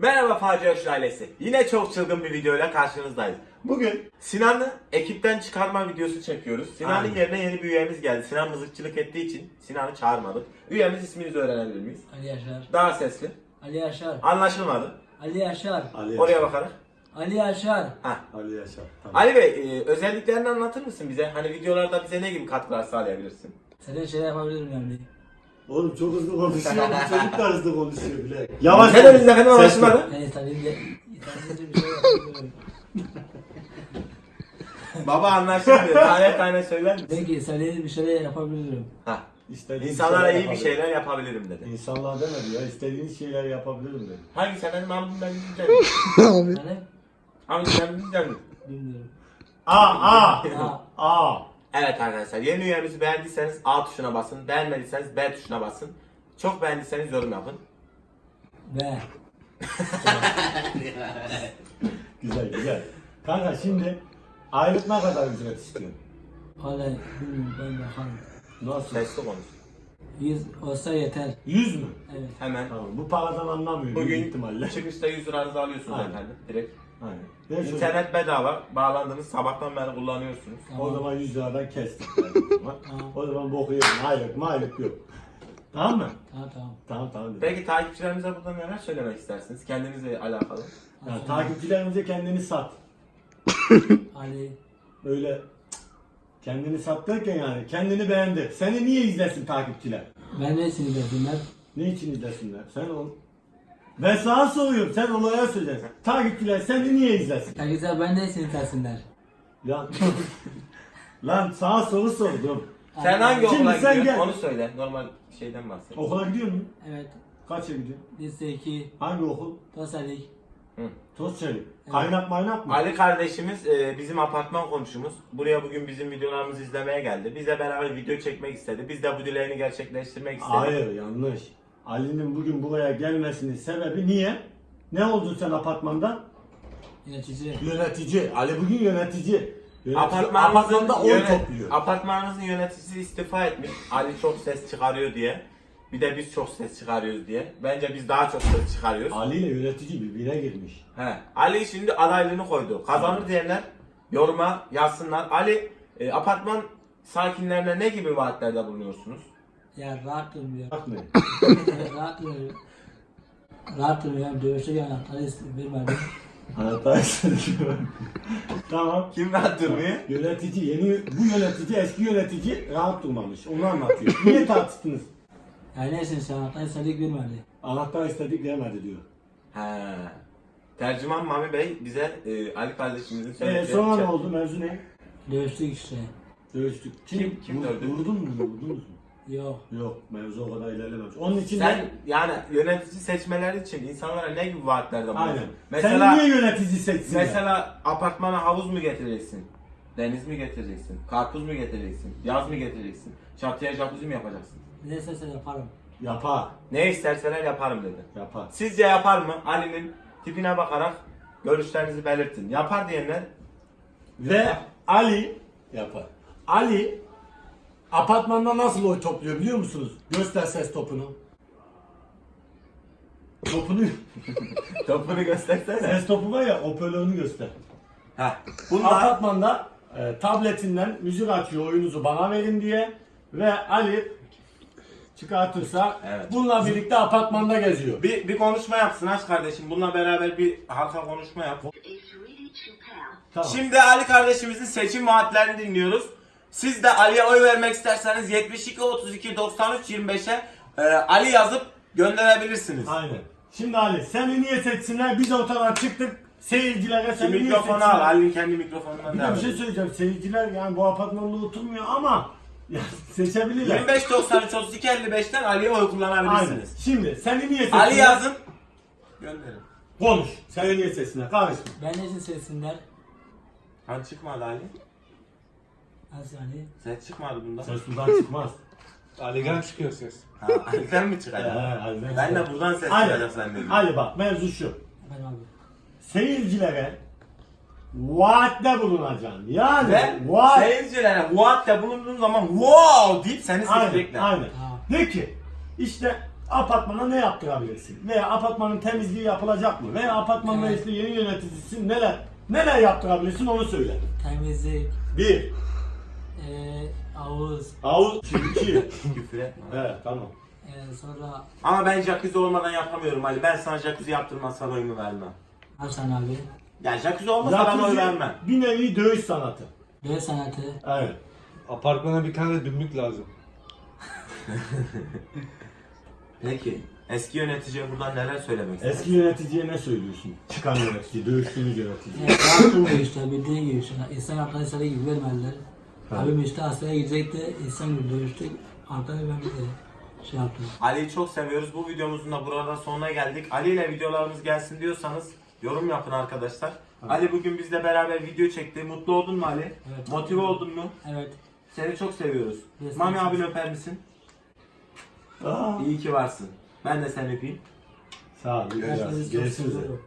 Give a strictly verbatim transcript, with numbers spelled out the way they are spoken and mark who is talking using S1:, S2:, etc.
S1: Merhaba Facia Hoş ailesi. Yine çok çılgın bir videoyla karşınızdayız. Bugün Sinan'ı ekipten çıkarma videosu çekiyoruz. Sinan'ın
S2: Aynen.
S1: yerine yeni bir üyemiz geldi. Sinan mızıkçılık ettiği için Sinan'ı çağırmadık. Üyemiz isminizi öğrenebilir miyiz?
S3: Ali Yaşar.
S1: Daha sesli.
S3: Ali Yaşar.
S1: Anlaşılmadı.
S3: Ali Yaşar.
S2: Ali
S1: Oraya
S2: Yaşar.
S1: bakarak.
S3: Ali Yaşar.
S1: Heh.
S2: Ali Yaşar. Tamam.
S1: Ali Bey, e, özelliklerini anlatır mısın bize? Hani videolarda bize ne gibi katkılar sağlayabilirsin?
S3: Sana şey yapabilirim yani.
S2: Oğlum çok hızlı konuşuyor. Bu çocuk da hızlı konuşuyor bile. Yavaş.
S1: Sen de bizle hemen anlaşılmadı.
S3: Yani tabii de tabii bir şey yapabilirim.
S1: Baba anlaşılmıyor. Tane tane söyler misin?
S3: Peki istediğiniz bir şeyler yapabilirim.
S1: Heh.
S2: İstediğiniz
S1: İnsanlara
S2: şeyler
S1: iyi bir
S2: yapabilirim.
S1: şeyler yapabilirim dedi.
S2: İnsanlar demedi ya. İstediğiniz şeyler yapabilirim dedi.
S1: Hangi sen ben ben bilmiyorum.
S3: Yani
S1: Hangi sen bilmiyorum.
S3: bilmiyorum.
S2: A A
S3: Aa,
S2: A.
S1: Evet arkadaşlar, yeni üyemizi beğendiyseniz A tuşuna basın, beğenmediyseniz B tuşuna basın. Çok beğendiyseniz yorum yapın.
S3: ve
S2: Güzel güzel. Kanka şimdi aylık ne kadar ücret istiyorsun?
S3: hala bilmiyorum ben bakarım.
S2: Nasıl?
S1: Sesli konuş.
S3: Yüz olsa yeter.
S2: yüz mü?
S3: Evet.
S1: Hemen.
S2: Tamam. Bu paradan anlamıyor büyük
S1: Bugün
S2: ihtimalle.
S1: çıkışta yüz liranızı alıyorsunuz
S2: Aynen.
S1: efendim, direkt.
S2: Aynen. Ver şunu.
S1: İnternet bedava, bağlandınız, sabahtan beri kullanıyorsunuz.
S2: O zaman yüz liradan kestik. Yani.
S3: Tamam.
S2: O zaman boku yedim. Aylık aylık yok. Tamam mı?
S3: Tamam tamam.
S1: Tamam.
S2: Tamam. dedim.
S1: Peki takipçilerimize burada neler söylemek istersiniz? Kendinizle alakalı.
S2: Yani takipçilerimize kendini sat.
S3: Ali.
S2: Öyle kendini sat derken yani kendini beğendi. Seni niye izlesin takipçiler?
S3: Ben ne için izlesinler?
S2: Ne için izlesinler? Sen ol. Ben sana soruyorum. Sen olaya söyleyeceksin. Takipçiler seni niye izlesin?
S3: Herkese ben ne için izlesinler?
S2: Lan, lan sana soru sordum.
S1: Sen hangi
S2: Şimdi
S1: okula
S2: sen
S1: gidiyorsun?
S2: gel.
S1: Onu söyle. Normal şeyden bahset.
S2: Okula gidiyor musun?
S3: Evet.
S2: Kaça gidiyorsun?
S3: Lise iki.
S2: Hangi okul?
S3: Tosalik.
S1: Hı.
S2: Tozçelik. Kaynak maynak mı?
S1: Ali kardeşimiz e, bizim apartman komşumuz. Buraya bugün bizim videolarımızı izlemeye geldi. Bizle beraber video çekmek istedi. Biz de bu dileğini gerçekleştirmek istedik.
S2: Hayır yanlış. Ali'nin bugün buraya gelmesinin sebebi niye? Ne oldun sen apartmanda?
S3: Yönetici.
S2: Yönetici. Ali bugün yönetici. Yönetici
S1: Apartmanımızın,
S2: apartmanda oy
S1: yönet-
S2: topluyor.
S1: apartmanımızın yöneticisi istifa etmiş. Ali çok ses çıkarıyor diye. Bir de biz çok ses çıkarıyoruz diye. Bence biz daha çok ses çıkarıyoruz.
S2: Ali ile yönetici birbirine girmiş.
S1: He. Ali şimdi adaylığını koydu. Kazanır diyenler yoruma yazsınlar. Ali, e, apartman sakinlerine ne gibi vaatlerde bulunuyorsunuz?
S3: Ya rahat durmuyor.
S2: Bakmayın.
S3: rahat durmuyor. Rahat durmuyor. Yani dövüşe anahtarı vermedim.
S2: Anahtar istedim. Tamam.
S1: Kim rahat durmuyor?
S2: Yönetici, yeni bu yönetici, eski yönetici rahat durmamış. Onu anlatıyor. Niye tartıştınız?
S3: Yani neyse sen anahtarı istedik vermedi.
S2: Anahtar istedik vermedi diyor.
S1: He. Tercüman Mami Bey bize e, Ali kardeşimizin
S2: Ee,
S1: söylediği
S2: sonra ne
S1: şey-
S2: oldu? Mevzu ne?
S3: Dövüştük işte.
S2: Dövüştük. Kim,
S1: Kim- kim
S2: vur-
S1: dövdü?
S2: Vurdun mu? Vurdunuz mu?
S3: Yok.
S2: Yok. Mevzu o kadar ilerlememiş. Onun için
S1: Sen
S2: de...
S1: yani yönetici seçmeleri için insanlara ne gibi vaatlerde bulunuyorsun?
S2: Aynen.
S1: Mesela
S2: Sen niye yönetici seçsin?
S1: mesela apartmana havuz mu getireceksin? Deniz mi getireceksin? Karpuz mu getireceksin? Yaz mı getireceksin? Çatıya jacuzzi mi yapacaksın?
S3: Ne istersen yaparım.
S2: Yapar.
S1: Ne isterseler yaparım dedi.
S2: Yapar.
S1: Sizce yapar mı? Ali'nin tipine bakarak görüşlerinizi belirtin. Yapar diyenler
S2: Ve Ali yapar. Ali apartmanda nasıl oy topluyor biliyor musunuz? Göster ses topunu. Topunu
S1: topunu göstersene.
S2: ses topu var ya hoparlörünü göster.
S1: Heh. Bunlar
S2: Apartmanda e, tabletinden müzik açıyor oyunuzu bana verin diye ve Ali çıkartırsa
S1: Evet.
S2: bununla birlikte apartmanda geziyor.
S1: bir, bir konuşma yapsın aç kardeşim. Bununla beraber bir halka konuşma yap.
S2: Tamam.
S1: Şimdi Ali kardeşimizin seçim vaatlerini dinliyoruz. Siz de Ali'ye oy vermek isterseniz yetmiş iki otuz iki doksan üç yirmi beşe e, Ali yazıp gönderebilirsiniz.
S2: Aynen. Şimdi Ali seni niye seçsinler? Biz ortadan çıktık. Seyircilere
S1: Şu
S2: seni niye
S1: mikrofonu
S2: seçsinler?
S1: al. Ali'nin kendi mikrofonundan
S2: Bir de
S1: devam
S2: bir şey
S1: et.
S2: söyleyeceğim. Seyirciler yani bu apartmanda oturmuyor ama ya, seçebilirler.
S1: yirmi beş doksan üç otuz iki elli beşten Ali'ye oy
S2: Aynen.
S1: kullanabilirsiniz.
S2: Şimdi seni niye seçsinler?
S1: Ali yazın. Gönderin.
S2: Konuş. Seni niye seçsinler? Karışma.
S3: Ben ne için sevsinler?
S1: Hani çıkmadı Ali.
S3: Nasıl yani?
S1: Ses çıkmadı bunda.
S2: Ses buradan çıkmaz.
S4: Ali'den çıkıyor ses.
S1: Ha, Ali'den mi
S2: Ee,
S1: çıkacak?
S2: Ali'den
S1: Ben
S2: çıkar.
S1: de buradan ses
S2: Ali,
S1: çıkacak zannediyorum.
S2: Ali bak mevzu şu.
S3: Ben abi.
S2: Seyircilere vaatte bulunacaksın. Yani
S1: Ve
S2: vaat...
S1: seyircilere vaatte bulunduğun zaman wow deyip seni
S2: Aynen,
S1: seçecekler.
S2: aynen.
S3: Ha.
S2: De ki işte apartmana ne yaptırabilirsin? Veya apartmanın temizliği yapılacak mı? Veya apartman
S3: Evet.
S2: reisliği yeni yöneticisi neler neler yaptırabilirsin onu söyle.
S3: Temizlik,
S2: Bir,
S3: eee havuz,
S2: havuz, iki.
S1: Küfür etme.
S2: Evet tamam.
S3: eee sonra
S1: Ama ben jacuzzi olmadan yapamıyorum Ali. Ben sana jacuzzi yaptırmazsan oyumu vermem.
S3: Hasan abi,
S1: Yani jacuzzi olmasa ben oy
S2: Jacuzzi
S1: vermem.
S2: bir nevi dövüş sanatı.
S3: dövüş sanatı,
S2: Evet.
S4: Apartmana bir tane de dümbük lazım.
S1: Peki eski yöneticiye buradan neler söylemek istersin?
S2: Eski yöneticiye ne söylüyorsun? Çıkan yönetici, dövüştüğünüz yönetici.
S3: eee rahatım işte bildiğin gibi işte insan yaptığı istediği gibi vermediler.
S2: Ha.
S3: Abim işte askere gidecekti, insan gibi dövüştük, arkadan ben bir de şey yaptım.
S1: Ali'yi çok seviyoruz. Bu videomuzun da burada sonuna geldik. Ali ile videolarımız gelsin diyorsanız yorum yapın arkadaşlar. Ali bugün bizle beraber video çekti. Mutlu oldun mu Ali?
S3: Evet.
S1: Motive oldun mu?
S3: Evet,
S1: Seni çok seviyoruz.
S3: Biz
S1: Mami
S3: de
S1: abini
S3: çok-
S1: öper misin?
S2: Aa,
S1: İyi ki varsın. Ben de seni öpeyim.
S2: sağ ol.
S3: herkesi çok
S2: Görüşürüz.
S3: seviyorum.